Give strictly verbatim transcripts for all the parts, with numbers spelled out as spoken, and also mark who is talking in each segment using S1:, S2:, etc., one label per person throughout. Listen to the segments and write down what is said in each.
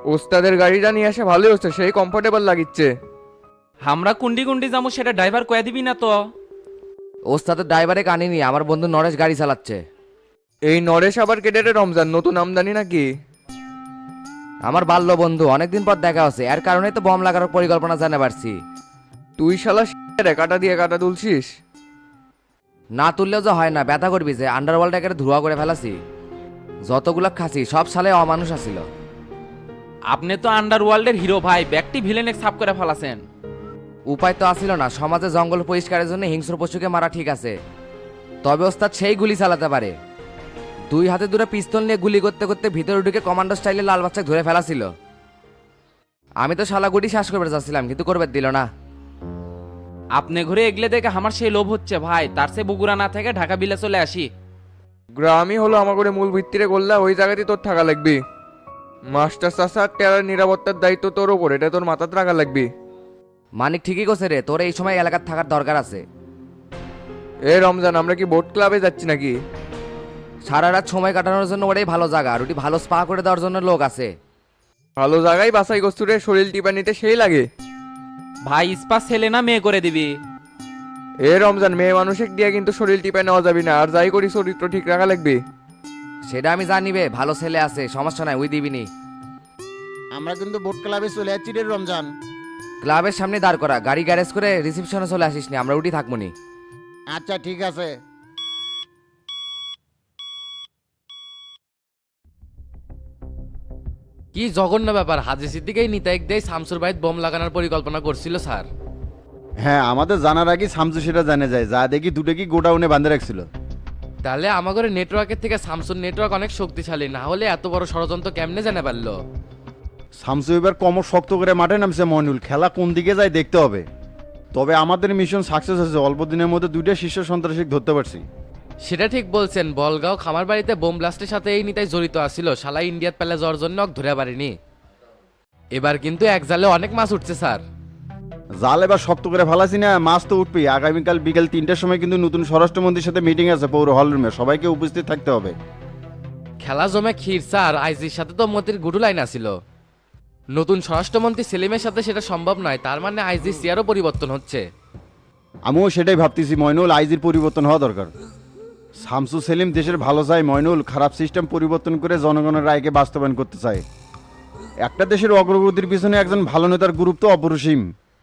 S1: ওস্তাদের গাড়িটা নিয়ে আসে ভালোই হচ্ছে, সেই কমফোর্টেবল লাগিচ্ছে।
S2: আমরা কুন্ডি কুন্ডি যাবো সেটা ড্রাইভার কয়ে দিবি না তো?
S3: ওস্তাদের ড্রাইভারে কানিনি, আমার বন্ধু নরেশ গাড়ি চালাচ্ছে।
S1: এই নরেশ আবার কেটে রমজান নতুন আমদানি নাকি?
S3: আমার বাল্য বন্ধু, অনেকদিন পর দেখা হচ্ছে, এর কারণেই তো বম লাগানোর পরিকল্পনা জানা পারছি।
S1: তুই শালা রে কাটা দিয়ে কাটা তুলছিস?
S3: না তুললেও যে হয় না, ব্যথা করবি যে আন্ডারওয়ার্ল্ড একেবারে ধোয়া করে ফেলাছি। যতগুলা খাসি সব সালে অমানুষ আসিল।
S2: আপনি তো আন্ডারওয়ার্ল্ডের হিরো ভাই, ব্যক্তি ভিলেনে সাফ করে ফেলাছেন।
S3: উপায় তো আসিল না, সমাজে জঙ্গল পরিষ্কারের জন্য হিংস্র পশুকে মারা ঠিক আছে, তবে ওস্তাদ সেই গুলি চালাতে পারে। দুই হাতে দুটো পিস্তল নিয়ে গুলি করতে করতে ভিতরে ঢুকে কমান্ডো স্টাইলে লাল বাচ্চাকে ধরে ফেলাছিল। আমি তো শালা গুটি শ্বাস করবে যাচ্ছিলাম, কিন্তু করবে দিল না।
S2: আপনি ঘুরে এগলে দেখে আমার সেই লোভ হচ্ছে ভাই, তার সে বগুড়া না থেকে ঢাকা বিলে চলে আসি।
S1: গ্রামই হলো আমার করে মূল ভিত্তিরে করলে ওই জায়গাতেই তোর থাকা লাগবি। মাস্টার চাষা টেরার নিরাপত্তার দায়িত্ব তোর ওপর, এটা তোর মাথাতে রাখা লাগবি।
S3: মানিক ঠিকই করছে রে, তোর এই সময় এলাকার থাকার দরকার আছে।
S1: এ রমজান, আমরা কি বোট ক্লাবে যাচ্ছি নাকি?
S3: সারা রাত সময় কাটানোর জন্য ওটাই ভালো জায়গা, আর ওটি ভালো স্পা করে দেওয়ার জন্য লোক আছে।
S1: ভালো জায়গায় বাসাই কস্তুরে শরীর টিপা নিতে সেই লাগে।
S2: ভাই ইস্পা ছেলে না মেয়ে করে দিবি?
S1: এ রমজান, মেয়ে মানুষের দিয়ে কিন্তু শরীর টিপা নেওয়া যাবি না, আর যাই করি চরিত্র ঠিক রাখা লাগবে।
S3: সেটা আমি জানিবে, ভালো ছেলে আছে, সমস্যা নাই, ওই দিবিনি।
S4: আমরা কিন্তু বোট ক্লাবে চলে যাচ্ছি রে রমজান।
S3: ক্লাবের সামনে দাঁড় করা, গাড়ি গ্যারেজ করে রিসেপশনে চলে আসিস নি, আমরা উঠি থাকবনি।
S4: আচ্ছা ঠিক আছে।
S5: কি জঘন্য ব্যাপার, হাজি সিদ্দিকেই নিতাইক দেয় শামসুর ভাইত বোম লাগানোর পরিকল্পনা করছিল স্যার।
S6: হ্যাঁ, আমাদের জানার আগে শামসু সেটা জানে যায়, যা দেখি দুটো কি গোডাউনে বাঁধে রাখছিল।
S5: তাহলে আমাদের নেটওয়ার্কের থেকে শামসুর নেটওয়ার্ক অনেক শক্তিশালী, না হলে এত বড় ষড়যন্ত্র কেমনে জানা পারলো?
S6: শামসু এবার কমর শক্ত করে মাঠে নামছে মইনুল, খেলা কোন দিকে যায় দেখতে হবে। তবে আমাদের মিশন সাকসেস হয়েছে, অল্প দিনের মধ্যে দুইটা শীর্ষ সন্ত্রাসী ধরতে পারছি।
S5: সেটা ঠিক বলছেন, বলগাঁও খামার বাড়িতে বোম ব্লাস্টের সাথে এই নিতাই জড়িত আছিল, শালা ইন্ডিয়াত পেলে যাওয়ার জন্য ওকে ধরে পারিনি। এবার কিন্তু এক জালে অনেক মাছ উঠছে স্যার।
S6: জাল এবার শক্ত করে ফেলাছি না, মাছ তো উঠবেই। আগামীকাল বিকেল তিনটার সময় কিন্তু নতুন স্বরাষ্ট্রমন্ত্রীর সাথে মিটিং আছে পৌর হল রুমে, সবাইকে উপস্থিত থাকতে হবে।
S5: খেলা জমে ক্ষীর স্যার, আইজির সাথে তো মতির গুডু লাইন আছিল। নতুন স্বরাষ্ট্রমন্ত্রী সেলিমের সাথে সেটা সম্ভব নয়, তার মানে আইজির চেয়ারও পরিবর্তন হচ্ছে।
S6: আমিও সেটাই ভাবতেছি মইনুল, আইজির পরিবর্তন হওয়া দরকার। শামসু সেলিম দেশের ভালো চায় মইনুল, খারাপ সিস্টেম পরিবর্তন করে জনগণের রায়কে বাস্তবায়ন করতে চায়। একটা দেশের অগ্রগতির পিছনে একজন ভালো নেতার গুরুত্ব অপরিসীম।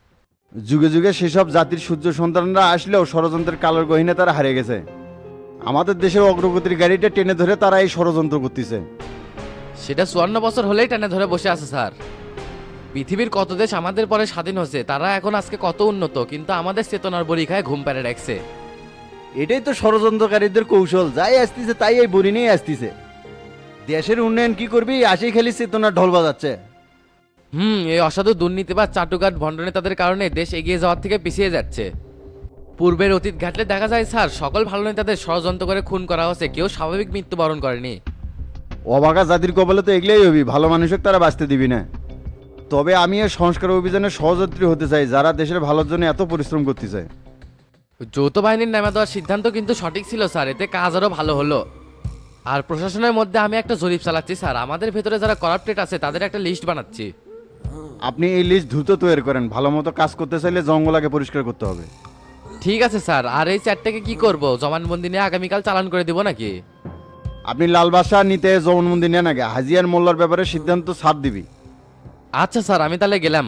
S6: যুগে যুগে সেসব জাতির সূর্য সন্তানরা আসলেও ষড়যন্ত্রের কালোর গহিনে তারা হারিয়ে গেছে। আমাদের দেশের অগ্রগতির গাড়িটা টেনে ধরে তারা এই ষড়যন্ত্র করতেছে।
S5: সেটা চুয়ান্ন বছর হলেই টেনে ধরে বসে আছে স্যার। পৃথিবীর কত দেশ আমাদের পরে স্বাধীন হয়েছে, তারা এখন আজকে কত উন্নত, কিন্তু আমাদের চেতনার বড়ি খায় ঘুম পেড়ে রাখছে।
S6: এটাই তো ষড়যন্ত্রকারীদের কৌশল, যাই আসতেছে তাই এই বড়ি নিয়ে আসতেছে। দেশের উন্নয়ন কি করবি, আসেই খালি চেতনার ঢোল বাজাচ্ছে।
S5: হুম, এই অসাধু দুর্নীতিবাদ চাটুকাট ভণ্ডনে তাদের কারণে দেশ এগিয়ে যাওয়ার থেকে পিছিয়ে যাচ্ছে। পূর্বের অতীত ঘাটলে দেখা যায় স্যার, সকল ভালো নেতাদের ষড়যন্ত্র করে খুন করা হয়েছে, কেউ স্বাভাবিক মৃত্যুবরণ করেনি।
S6: অবাগা জাতির কপালে তো এগলেই হবি, ভালো মানুষকে তারা বাঁচতে দিবি না। তবে আমি এই সংস্কার অভিযানে সহযাত্রী হতে চাই, যারা দেশের ভালোর জন্য এত পরিশ্রম করতে চায়।
S5: যৌথ বাহিনীর নামে দেওয়ার সিদ্ধান্ত কিন্তু সঠিক ছিল স্যার, এতে কাজ আরও ভালো হলো। আর প্রশাসনের মধ্যে আমি একটা জরিপ চালাচ্ছি স্যার, আমাদের ভেতরে যারা করাপ্টেড আছে তাদের একটা লিস্ট বানাচ্ছি।
S6: আপনি এই লিস্ট দ্রুত তৈরি করেন, ভালো মতো কাজ করতে চাইলে জঙ্গল আগে পরিষ্কার করতে হবে।
S5: ঠিক আছে স্যার, আর এই চ্যাটটাকে কি করব, জমানবন্দি নিয়ে আগামীকাল চালান করে দিব নাকি?
S6: আপনি লাল বাসা নিতে জবানবন্দি নেন আগে, হাজিয়ার মোল্লার ব্যাপারে সিদ্ধান্ত ছাড় দিবি।
S5: আচ্ছা স্যার, আমি তাহলে গেলাম।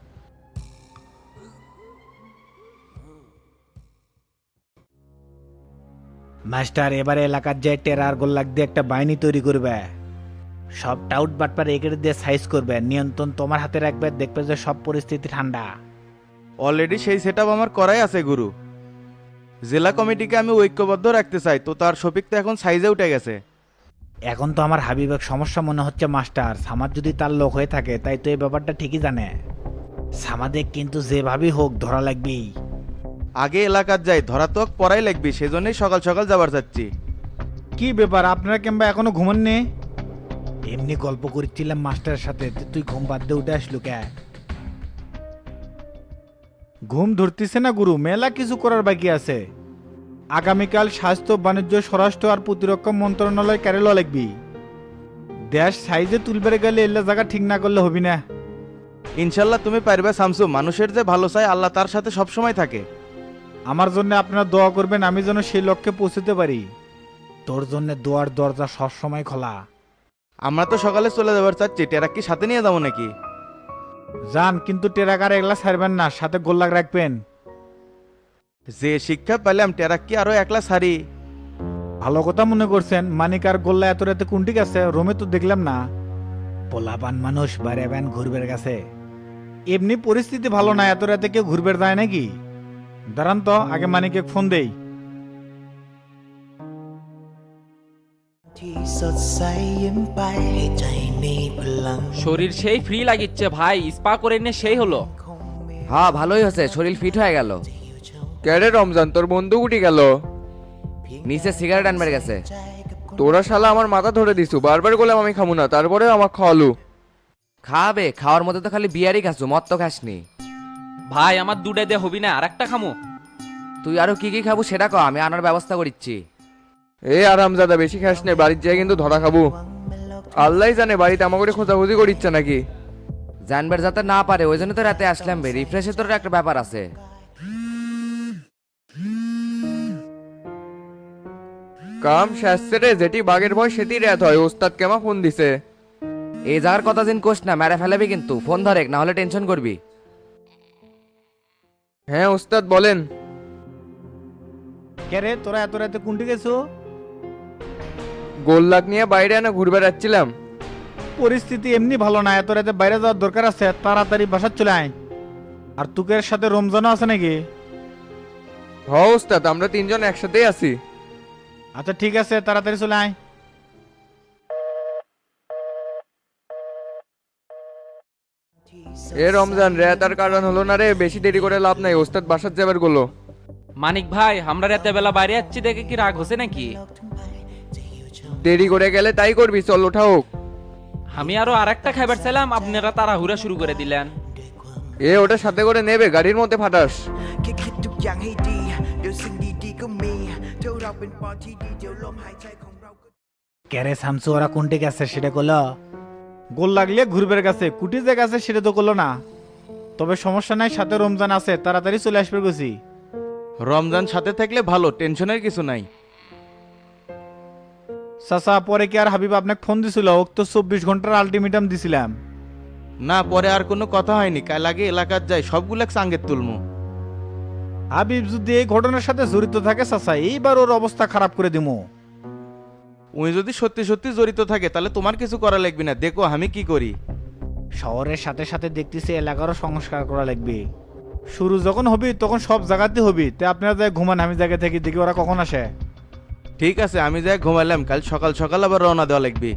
S7: মাস্টার, এবারে এলাকার যে টেরার গোল্লাক দিয়ে একটা বাহিনী তৈরি করবে, সব টাউট বাটপার এগের দিয়ে সাইজ করবে, নিয়ন্ত্রণ তোমার হাতে রাখবে, দেখবে যে সব পরিস্থিতি ঠান্ডা।
S8: অলরেডি সেই সেটআপ আমার করাই আছে গুরু। জেলা কমিটিকে আমি ঐক্যবদ্ধ রাখতে চাই, তো তার শফিক তো এখন সাইজে উঠে গেছে।
S7: এখন তো আমার হাবিবের সমস্যা মনে হচ্ছে মাস্টার, সামাদ যদি তার লোক হয়ে থাকে, তাই তো এই ব্যাপারটা ঠিকই জানে। সামাদে কিন্তু যেভাবেই হোক ধরা লাগবেই।
S8: আগে এলাকার যাই, ধরা তো পড়াই লাগবে, সেজন্যই সকাল সকাল যাবার চাচ্ছি।
S7: কি ব্যাপার, আপনারা কিংবা এখনো ঘুমাননি? এমনি গল্প করছিলাম মাস্টারের সাথে, তুই ঘুম বাদ দিয়ে উঠে আসলু কে? ঘুম ধরতেছে না গুরু, মেলা কিছু করার বাকি আছে। আগামীকাল স্বাস্থ্য, বাণিজ্য, স্বরাষ্ট্র আর প্রতিরক্ষা মন্ত্রণালয় ক্যারেল লাগবি। দেশ সাইজে তুলবে গেলে এল্লা জায়গা ঠিক না করলে হবি না।
S8: ইনশাল্লাহ তুমি পারবে শামসু, মানুষের যে ভালো চায় আল্লাহ তার সাথে সবসময় থাকে।
S7: আমার জন্য আপনারা দোয়া করবেন, আমি যেন সেই লক্ষ্যে পৌঁছতে পারি। তোর জন্য দোয়ার দরজা সবসময় খোলা।
S8: আমরা তো সকালে চলে যাবার চাচ্ছি, টেরাক কি সাথে নিয়ে যাবো নাকি?
S7: যান, কিন্তু টেরাকার এগুলা ছাড়বেন না, সাথে গোল্লাক রাখবেন।
S8: যে শিক্ষা পেলাম টেরাক কি আরো একলা সারি।
S7: ভালো কথা মনে করছেন, মানিক আর গোল্লা এত রাতে কোনটি গেছে? রোমে তো দেখলাম না। পোলাপান মানুষ বাইরে ব্যান ঘুরবের গেছে। এমনি পরিস্থিতি ভালো না, এত রাতে কেউ ঘুরবের যায় নাকি? দাঁড়ান তো, আগে মানিকে ফোন দেই।
S9: ที่สดใสยิ้มไปให้ใจมีพลัง
S2: শরীর সেই ফ্রি লাগিচ্ছে ভাই, স্পা করে নিয়ে সেই হলো।
S3: হ্যাঁ ভালোই হয়েছে, শরীর ফিট হয়ে গেল।
S1: ক্যারে রমজান, তোর বন্ধু উঠি গেল।
S3: নিচে সিগারেট আনবার গেছে।
S1: তোরা শালা আমার মাথা ধরে দিছু, বারবার বললাম আমি খামু না, তারপরে আমার খাওয়ালু।
S3: খাবে, খাওয়ার মধ্যে তো খালি বিয়ারই খাসু, মদ তো খাসনি।
S2: ভাই আমার দুটে দিয়ে হবি না, আর একটা খামো।
S3: তুই আরো কি কি খাবো সেটা ক, আমি আনার ব্যবস্থা করিচ্ছি।
S1: এ আরামজাদা, বেশি খাস নে, বাড়ির যায় কিন্তু ধরা খাবো। আল্লাহ জানে বাড়িতে আমাকে খোঁজাখুঁজি করিচ্ছে নাকি।
S3: জানবার যাতে না পারে, ওই জন্য তো রাতে আসলাম বে, রিফ্রেশে তোর একটা ব্যাপার আছে।
S1: কাম শেষছে রে, যেটি বাঘের ভয় সেটি রেত হয়। ওস্তাদ কেমা ফোন দিছে।
S3: এই জায়গার কথা দিন কোষ না, মেরে ফেলাবি কিন্তু। ফোন ধরে, না হলে টেনশন করবি।
S1: হ্যাঁ ওস্তাদ বলেন।
S7: কে রে, তোরা এত রাতে কোনটি গেছো?
S1: গোল্লাক নিয়ে বাইরে এনে ঘুরবে যাচ্ছিলাম।
S7: পরিস্থিতি এমনি ভালো না, এত রাতে বাইরে যাওয়ার দরকার আছে, তাড়াতাড়ি বাসার চলে আয়। আর তুকের সাথে রমজানও আছে নাকি?
S1: হ ওস্তাদ, আমরা তিনজন একসাথেই আছি।
S7: আচ্ছা ঠিক আছে, তাড়াতাড়ি চলে আয়।
S1: এ রমজান, রেত আর কারণ হলো না রে, বেশি দেরি করে লাভ নাই। ওস্তাদ বাসার যাবার গেলো।
S2: মানিক ভাই, আমরা রাতে বেলা বাইরে যাচ্ছি দেখে কি রাগ হচ্ছে নাকি?
S1: দেরি করে গেলে তাই করবি, চল ওঠা হোক।
S2: আমি আরো আর একটা খাইবার চাইলাম, আপনারা তাড়াহুড়া শুরু করে দিলেন।
S1: এ ওটা সাথে করে নেবে, গাড়ির মধ্যে ফাটাস।
S9: แค่คิดทุกอย่างให้ดีเดี๋ยวสิ่งดีๆก็มีเท่าเราเป็นปอที่ดีเดี๋ยวลมหายใจของเราก็
S7: কে রে শামসু, ওরা কোনটি গেছে সেটা করলো? গোল লাগলে ঘুরবের গেছে, কুটি যে গেছে সেটা তো করলো না। তবে সমস্যা নাই, সাথে রমজান আছে, তাড়াতাড়ি চলে আসবে গেছি।
S8: রমজান সাথে থাকলে ভালো, টেনশনের কিছু নাই।
S7: চাচা, পরে কি আর হাবিব আপনাকে ফোন দিছিল? ওক তো চব্বিশ ঘন্টার আলটিমেটাম দিছিলাম।
S8: না, পরে আর কোনো কথা হয়নি, কাল আগে এলাকার যাই সবগুলা সাঙ্গের তুলমু।
S7: হাবিব যদি এই ঘটনার সাথে জড়িত থাকে চাচা, এইবার ওর অবস্থা খারাপ করে দিমু।
S8: উনি যদি সত্যি সত্যি জড়িত থাকে তাহলে তোমার কিছু করা লাগবে না, দেখো আমি কি করি।
S7: শহরের সাথে সাথে দেখতেছি এলাকারও সংস্কার করা লাগবে। শুরু যখন হবি তখন সব জায়গাতে হবি, তে আপনারা যাই ঘুমান, আমি জায়গা থেকে দেখি ওরা কখন আসে।
S8: ঠিক আছে, আমি যাই ঘুমাইলাম, কাল সকাল সকাল আবার রওনা দেওয়া লাগবে।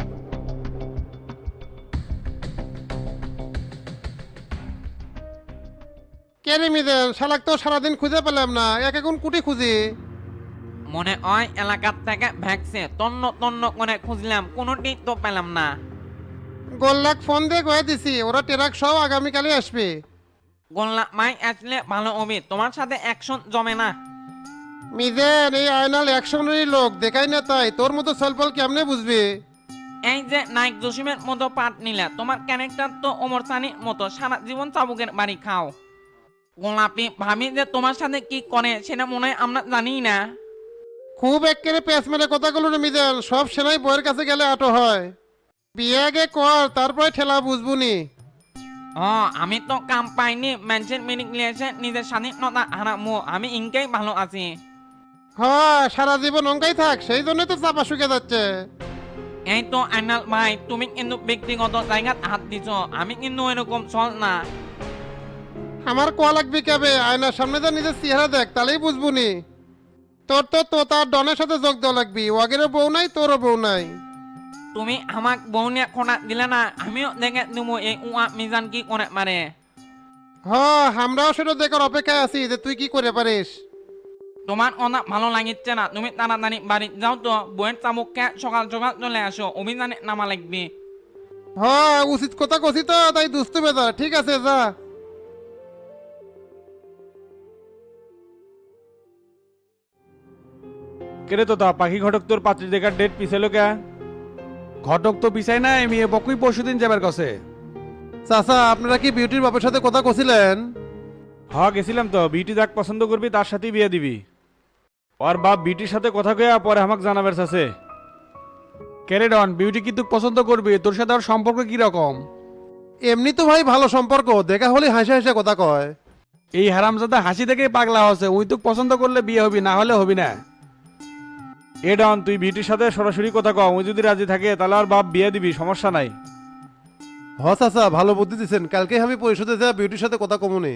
S10: কেরে মিদেন শালাক তো সারাদিন খুঁজে পেলাম না, এক এখন কুটি খুঁজি।
S2: মনে হয় এলাকার থেকে ভ্যাকসে তন্ন তন্ন করে খুঁজলাম, কোনোটি তো পেলাম না।
S10: গোল্লাক ফোন দিয়ে কয়ে দিছি, ওরা টেরাক সব আগামীকালই আসবে।
S2: গোল্লা মাই আসলে ভালো হবে, তোমার সাথে অ্যাকশন জমে না।
S10: মিদেন এই আয়নাল অ্যাকশনেরই লোক, দেখাই না তাই তোর মতো সলপল কেমনে বুঝবি?
S2: এই যে নায়ক জসিমের মতো পাঠ নিলা, তোমার ক্যারেক্টার তো ওমর সানির মতো, সারা জীবন চাবুকের বাড়ি খাও। গোলাপি ভাবি যে তোমার সাথে কি করে সেটা মনে হয় আমরা জানি না।
S10: খুব একেবারে পেঁচ মেরে কথাগুলো রে মিদেন, সব সেনাই বইয়ের কাছে গেলে আটো হয়। বিয়ে আগে কর, তারপরে ঠেলা বুঝবুনি।
S2: ও আমি তো কাম পাইনি, ম্যানসের মিনিং নিয়েছে নিজের স্বাধীনতা হারামো, আমি ইনকেই ভালো আছি।
S10: হ্যাঁ, সারা জীবন অঙ্কাই থাক, সেই জন্যই তো চাপা শুকে যাচ্ছে।
S2: এই তো আইনাল ভাই, তুমি কিন্তু ব্যক্তিগত জায়গাত হাত দিছ, আমি কিন্তু এরকম চল না।
S10: আমার কোয়া লাগবে কেবে, আয়নার সামনে যা নিজের চেহারা দেখ, তাহলেই বুঝবুনি। তোর তো তো তার ডনের সাথে যোগ দেওয়া লাগবি, ওয়াগেরও বউ নাই, তোরও বউ নাই।
S2: তুমি আমাক বউ নিয়ে খোনা দিলে না, আমিও দেখে দেবো এই উয়া মিজান কি করে মারে।
S10: হ, আমরাও সেটা দেখার অপেক্ষায় আছি যে তুই কি করে পারিস।
S2: তোমার কথা ভালো লাগিচ্ছে না, তুমি তাড়াতাড়ি বাড়ি যাও তো, বইয়ের চামুককে সকাল সকাল চলে আসো, অভিযানে নামা লাগবে।
S10: হ, উচিত কথা কছি তো, তাই দুস্তু বেদা। ঠিক আছে, যা।
S7: কেরে তো তা পাখি ঘটক তোর পাত্রী দেখার ডেট পিছালো কে? ঘটক তো পিছাই নাই মেয়ে পক্ষই পরশু দিন যাবার কাছে।
S10: চাচা আপনারা কি বিউটির বাপের সাথে কথা কছিলেন?
S8: হ্যাঁ গেছিলাম তো, বিটি যাক পছন্দ করবি তার সাথেই বিয়ে দিবি। ওর বাপ বিটির সাথে কথা কয়া পরে আমাকে জানাবার আছে।
S7: ক্যারেডন বিউটি কি তুই পছন্দ করবি? তোর সাথে ওর সম্পর্ক কি রকম?
S10: এমনি তো ভাই ভালো সম্পর্ক, দেখা হলে হাসে হাসে কথা কয়।
S7: এই হারামজাদা হাসি থেকেই পাগলা হচ্ছে। ওই তুই পছন্দ করলে বিয়ে হবি, না হলে হবি না।
S8: এ ডন, তুই বিটির সাথে সরাসরি কথা কম, ওই যদি রাজি থাকে তাহলে আর বাপ বিয়ে দিবি, সমস্যা নাই।
S10: হ চাচা ভালো বুদ্ধি দিচ্ছেন, কালকে আমি পরিষদে যা বিউটির সাথে কথা কমুনি।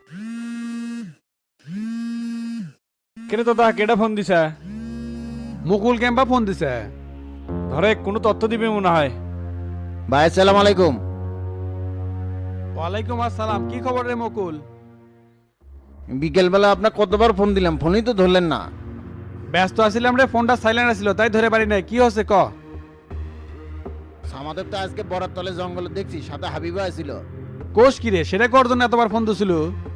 S8: কেন তো তা কেডা ফোন দিছে?
S7: মুকুল ক্যাম্পা ফোন দিছে।
S8: ধরে কোনো তথ্য দিবে মনে হয়।
S4: ভাই আসসালামু আলাইকুম।
S7: ওয়ালাইকুম আসসালাম, কি খবর রে মুকুল?
S4: বিকেলবেলা আপনার কতবার ফোন দিলাম, ফোনই তো ধরলেন না।
S7: ব্যস্ত আছিলাম রে, ফোনটা সাইলেন্ট ছিল তাই ধরে পারি নাই। কি হচ্ছে ক?
S4: আমাদের তো আজকে বরাত তলে জঙ্গলে দেখছি সাথে হাবিবা আছিল।
S7: কোষ কি রে, সেটা কর জন্য এতবার ফোন দিছিল?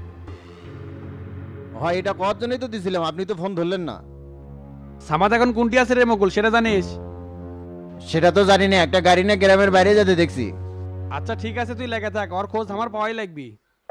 S4: হয় এটা কত জন্যই তো দিছিলাম, আপনি তো ফোন ধরলেন না।
S7: সামাদ এখন কোনটি আছে রে মুকুল, সেটা জানিস?
S4: সেটা তো জানি না, একটা গাড়ি নিয়ে গ্রামের বাইরে যেতে দেখছি।
S7: আচ্ছা ঠিক আছে, তুই লেগে থাক, ওর খোঁজ আমার পাওয়াই লাগবি।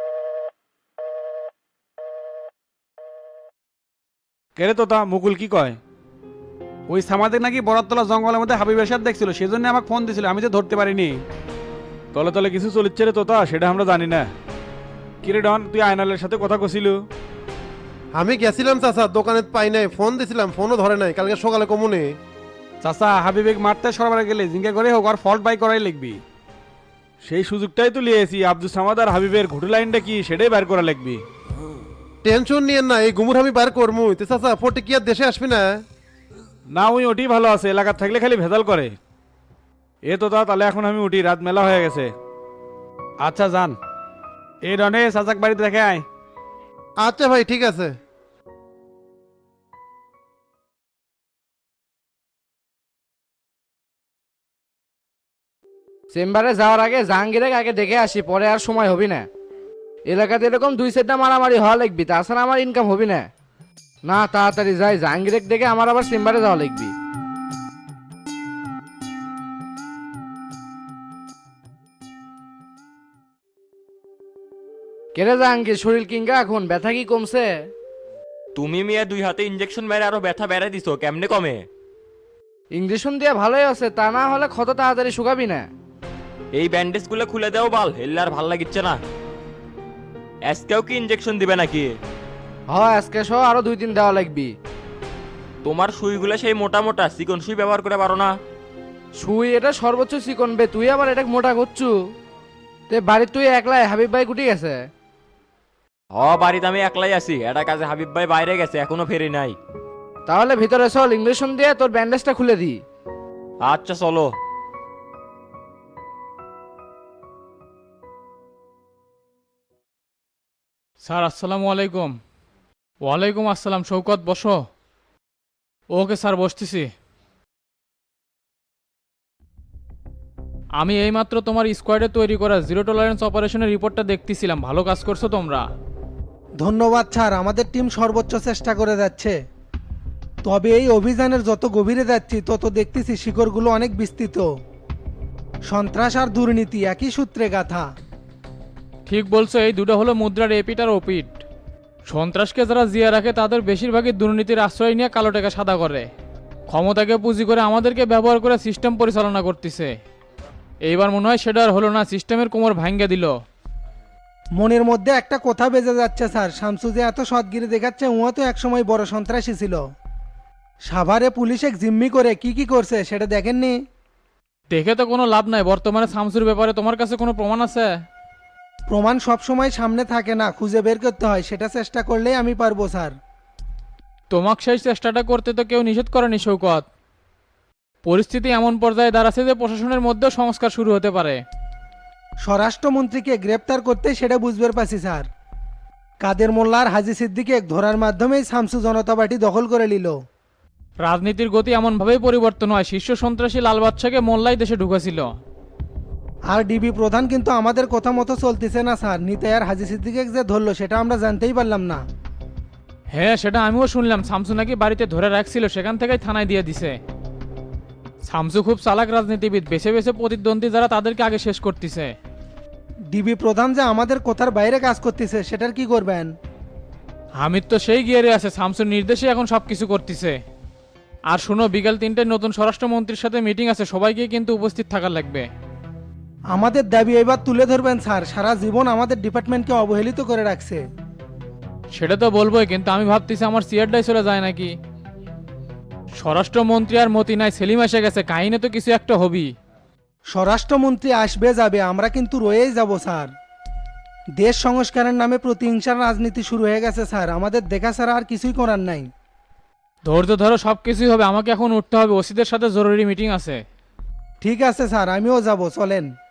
S8: কেরে তো তা মুকুল কি কয়?
S7: ওই সামাদের নাকি বরাতলা জঙ্গলের মধ্যে হাবিবের সাথে দেখছিল, সেই জন্য আমাকে ফোন দিছিল, আমি তো ধরতে পারিনি।
S8: তলে তলে কিছু চলিচ্ছে রে তোতা, সেটা আমরা জানি না। কিরে ডন, তুই আয়নালের সাথে কথা কছিল?
S10: আমি গেছিলাম চাচা, দোকানে পাই নাই, ফোন দিছিলাম, ফোনও ধরে নাই, কালকে সকালে কমুনি।
S7: চাচা হাবিবেক মারতে সরবার গেলে জিঙ্গা করে হোক আর ফল্ট বাই করাই লিখবি।
S8: সেই সুযোগটাই তো লিয়েছি, আব্দুল সামাদ আর হাবিবের ঘুটু লাইনটা কি সেটাই বের করা লাগবি।
S10: টেনশন নিয়েন না, এই গুমুর আমি বার করমু। তে চাচা ফোরটি কি আর দেশে আসবি না?
S8: না ওই ওটি ভালো আছে, এলাকার থাকলে খালি ভেজাল করে। এ তো তা তাহলে এখন আমি উঠি, রাত মেলা হয়ে গেছে।
S7: আচ্ছা যান। এই রনে চাচাক বাড়িতে দেখে আয়।
S10: আচ্ছা ভাই ঠিক আছে।
S3: চেম্বারে যাওয়ার আগে জাহাঙ্গীরের আগে দেখে আসি, পরে আর সময় হবি না। এলাকাতে এরকম দুই সেটটা মারামারি হওয়া লাগবি, তাছাড়া আমার ইনকাম হবি না। না তাড়াতাড়ি যাই, জাহাঙ্গীরের দেখে আমার আবার চেম্বারে যাওয়া লাগবি। কেরে জাহাঙ্গীর, শরীর কিংগা এখন? ব্যথা কি কমছে?
S11: তুমি মিয়া দুই হাতে ইঞ্জেকশন মেরে আরো ব্যথা বেড়ে দিছো, কেমনে কমে?
S3: ইঞ্জেকশন দিয়ে ভালোই আছে, তা না হলে ক্ষত তাড়াতাড়ি শুকাবি না।
S11: এই ব্যান্ডেজ গুলো খুলে দাও বাল, হেললে আর ভাল লাগিচ্ছে না। আজকেও কি ইঞ্জেকশন দিবে নাকি?
S3: হ আজকে সহ আরো দুই দিন দেওয়া লাগবি।
S11: তোমার সুইগুলো সেই মোটা মোটা চিকন সুই ব্যবহার করে পারো না?
S3: সুই এটা সর্বোচ্চ চিকন বে, তুই আবার এটা মোটা করছু। তে বাড়ির তুই একলাই, হাবিব ভাই গুটি গেছে?
S11: হ বাড়িতে আমি একলাই আছি, এটা কাজে হাবিব ভাই বাইরে গেছে, এখনো ফেরি নাই।
S3: তাহলে ভিতরে চল, ইঞ্জেকশন দিয়ে তোর ব্যান্ডেজটা খুলে দি।
S11: আচ্ছা চলো।
S12: স্যার আসসালামু আলাইকুম। ওয়ালাইকুম আসসালাম, শৌকত বসো। ওকে স্যার বসতেছি। আমি এইমাত্র তোমার স্কোয়াডে তৈরি করা জিরো টলারেন্স অপারেশনের রিপোর্টটা দেখতেছিলাম, ভালো কাজ করছো তোমরা।
S13: ধন্যবাদ স্যার, আমাদের টিম সর্বোচ্চ চেষ্টা করে যাচ্ছে। তবে এই অভিযানের যত গভীরে যাচ্ছি তত দেখতেছি শিকড়গুলো অনেক বিস্তৃত। সন্ত্রাস আর দুর্নীতি একই সূত্রে গাথা।
S12: ঠিক বলছো, এই দুটো হলো মুদ্রার এপিট আর ওপিট। সন্ত্রাসকে যারা জিয়া রাখে তাদের বেশিরভাগই দুর্নীতির আশ্রয় নিয়ে কালো টাকা সাদা করে, ক্ষমতাকে পুঁজি করে আমাদেরকে ব্যবহার করে সিস্টেম পরিচালনা করতেছে। এইবার মনে হয় সেটা আর হলো না, সিস্টেমের কোমর ভাঙ্গা দিল।
S13: মনের মধ্যে একটা কথা বেজে যাচ্ছে স্যার, শামসু যে এত সৎগিরি দেখাচ্ছে উহা তো একসময় বড় সন্ত্রাসী ছিল। সাভারে পুলিশ এক জিম্মি করে কি কি করছে সেটা দেখেননি?
S12: দেখে তো কোনো লাভ নাই, বর্তমানে শামসুর ব্যাপারে তোমার কাছে কোনো প্রমাণ আছে?
S13: প্রমাণ সবসময় সামনে থাকে না, খুঁজে বের করতে হয়, সেটা চেষ্টা করলেই আমি পারবো স্যার।
S12: তোমাকে সেই চেষ্টাটা করতে তো কেউ নিষেধ করেনি শৌকত। পরিস্থিতি এমন পর্যায়ে দাঁড়াচ্ছে যে প্রশাসনের মধ্যেও সংস্কার শুরু হতে পারে।
S13: স্বরাষ্ট্রমন্ত্রীকে গ্রেপ্তার করতে সেটা বুঝতে পারছি স্যার। কাদের মোল্লা আর হাজি সিদ্দিকে ধরার মাধ্যমেই শামসু জনতা পার্টি দখল করে নিল।
S12: রাজনীতির গতি এমনভাবেই পরিবর্তন হয়, শীর্ষ সন্ত্রাসী লাল বাদশাকে মোল্লাই দেশে ঢুকেছিল।
S13: আর ডিবি প্রধান কিন্তু আমাদের কথা মতো চলতেছে না স্যার, নিতাই আর হাজি সিদ্দিকে যে ধরলো সেটা আমরা জানতেই পারলাম না।
S12: হ্যাঁ সেটা আমিও শুনলাম, শামসু নাকি বাড়িতে ধরে রাখছিল, সেখান থেকেই থানায় দিয়ে দিছে। শামসু খুব চালাক রাজনীতিবিদ, বেছে বেছে প্রতিদ্বন্দ্বী যারা তাদেরকে আগে শেষ করতেছে।
S13: ডিবি প্রধান যে আমাদের কথার বাইরে কাজ করতেছে সেটার কি করবেন?
S12: হামিদ তো সেই গিয়ারে আছে, শামসুর নির্দেশে এখন সব কিছু করতেছে। আর শুনো, বিকাল তিনটায় নতুন স্বরাষ্ট্রমন্ত্রীর সাথে মিটিং আছে, সবাইকে কিন্তু উপস্থিত থাকা লাগবে।
S13: আমাদের দাবি এবার তুলে ধরবেন স্যার, সারা জীবন আমাদের ডিপার্টমেন্টকে অবহেলিত করে রাখছে।
S12: সেটা তো বলবোই, কিন্তু আমি ভাবতেছি আমার সিয়ারটাই চলে যায় নাকি। স্বরাষ্ট্রমন্ত্রী আর মতি নাই, সেলিম এসে গেছে, কাহিনী তো কিছু একটা হবি।
S13: স্বরাষ্ট্রমন্ত্রী আসবে যাবে, আমরা কিন্তু রয়েই যাব স্যার। দেশ সংস্কারের নামে প্রতিহিংসার রাজনীতি শুরু হয়ে গেছে স্যার, আমাদের দেখা ছাড়া আর কিছুই করার নাই।
S12: ধৈর্য ধরো, সব কিছুই হবে। আমাকে এখন উঠতে হবে, ওসিদের সাথে জরুরি মিটিং আছে।
S13: ঠিক আছে স্যার, আমিও যাব, চলেন।